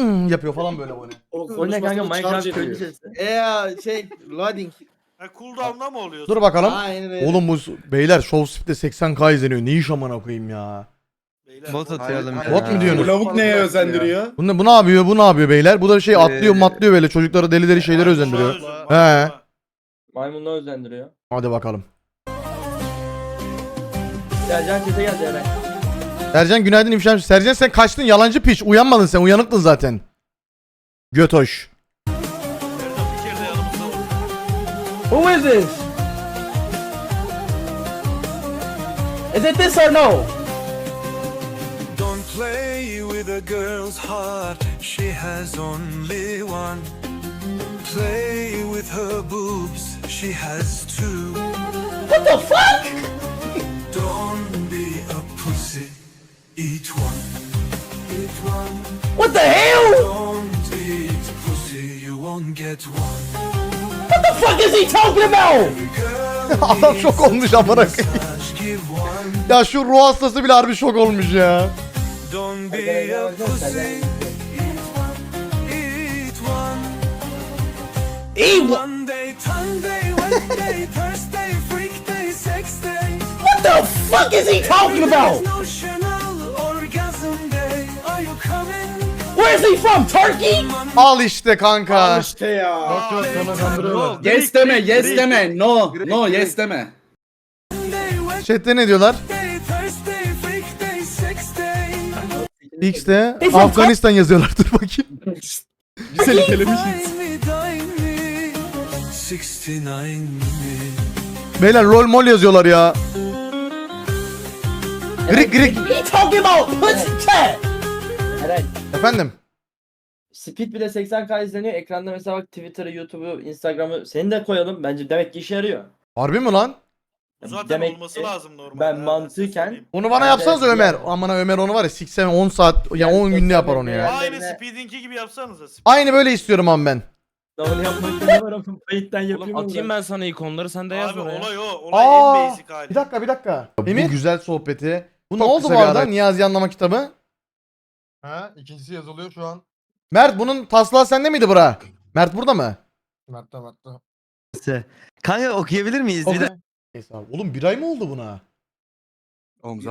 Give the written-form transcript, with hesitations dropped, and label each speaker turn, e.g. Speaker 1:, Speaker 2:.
Speaker 1: yapıyor falan böyle bu ne.
Speaker 2: O ne kanka Minecraft yapıyor sesi.
Speaker 3: Loading.
Speaker 4: Cooldown'da mı oluyor?
Speaker 1: Dur bakalım.
Speaker 3: Aynen öyle.
Speaker 1: Oğlum bu beyler Show Speed'de 80k izleniyor. Ne iş amına koyayım ya.
Speaker 4: Beyler,
Speaker 5: Bot
Speaker 4: bot-
Speaker 5: atayalım ya.
Speaker 1: Bot mu diyorsunuz?
Speaker 6: Bu lavuk neye özendiriyor?
Speaker 1: Bu ne yapıyor? Bu ne yapıyor beyler? Bu da şey atlıyor matlıyor böyle çocuklara deli deli şeyler özendiriyor. He.
Speaker 2: Maymunlar özlendiriyor.
Speaker 1: Hadi bakalım.
Speaker 2: Sercan çete geldi Eren.
Speaker 1: Sercan günaydın ifşam. Sercan sen kaçtın yalancı piç. Uyanmadın sen uyanıktın zaten. Götoş.
Speaker 4: Erdem bir kere de yanımızda oldu.
Speaker 2: Who is this? Is it this or no?
Speaker 7: Don't play with a girl's heart, she has only one. Play with her boobs, she has two.
Speaker 2: What the fuck?
Speaker 7: Don't be a pussy, eat one. Eat one.
Speaker 2: What the hell?
Speaker 7: Don't eat pussy, you won't get one.
Speaker 2: What the fuck is he talking about?
Speaker 1: Adam şok olmuş amına koyayım.
Speaker 7: Give one.
Speaker 1: Ya şu ruh hastası bile harbi şok olmuş ya.
Speaker 7: Don't be a pussy, eat one. Eat one.
Speaker 2: He
Speaker 7: Monday, Sunday, Wednesday, Thursday, freak day, sex day.
Speaker 2: what the fuck is he talking about?
Speaker 7: Notional orgasm day. Are you coming?
Speaker 2: Where is he from? Turkey?
Speaker 1: Al işte kanka.
Speaker 6: İşte ya.
Speaker 1: Yok sana kandırıyorlar.
Speaker 6: Yes deme, yes deme. No, no, yes deme.
Speaker 7: Monday, Wednesday,
Speaker 1: Chatte ne diyorlar?
Speaker 7: Thursday, freak day, sex day.
Speaker 1: X'te Afganistan yazıyorlar. Dur bakayım.
Speaker 6: Güzel ikelemişiz.
Speaker 7: Dine me, 69 me.
Speaker 1: Beyler rol mol yazıyorlar ya. Grik grik.
Speaker 2: He talking about pussy cat. Eren.
Speaker 1: Efendim.
Speaker 2: Speed bile 80k izleniyor. Ekranda mesela bak Twitter'ı, YouTube'u, Instagram'ı seni de koyalım. Bence demek ki işe yarıyor.
Speaker 1: Harbi mi lan?
Speaker 4: Bu zaten
Speaker 2: Demek
Speaker 4: olması
Speaker 2: ki
Speaker 4: lazım normalde.
Speaker 2: ben
Speaker 4: ha,
Speaker 2: mantıken-
Speaker 4: söyleyeyim.
Speaker 1: Onu bana yapsanız Ömer. Amına Ömer onu var ya 80 10 saat ya 10 günde yapar onu ya.
Speaker 4: Aynı
Speaker 2: Yerlerine-
Speaker 4: Speed'inki gibi yapsanıza.
Speaker 1: Aynı böyle istiyorum ama ben.
Speaker 2: Davul yapmak ne var oğlum? Kayıttan yapayım
Speaker 5: Oğlum atayım ben sana ikonları sen de yaz
Speaker 4: Abi
Speaker 5: oraya.
Speaker 4: olay o. Olay en basic hali.
Speaker 1: Bir dakika.
Speaker 6: Emir?
Speaker 1: Bu güzel sohbeti. Bu ne
Speaker 6: Çok
Speaker 1: oldu
Speaker 6: kısa
Speaker 1: bu
Speaker 6: bir
Speaker 1: arada?
Speaker 6: ara.
Speaker 1: Niyazi Anlama kitabı.
Speaker 8: Ha, ikincisi yazılıyor şu an.
Speaker 1: Mert bunun taslağı sende miydi bura? Mert burada mı?
Speaker 8: Mert'te.
Speaker 5: Kanka okuyabilir miyiz? Bir de...
Speaker 1: Neyse abi. Oğlum bir ay mı oldu buna?
Speaker 5: Oğlum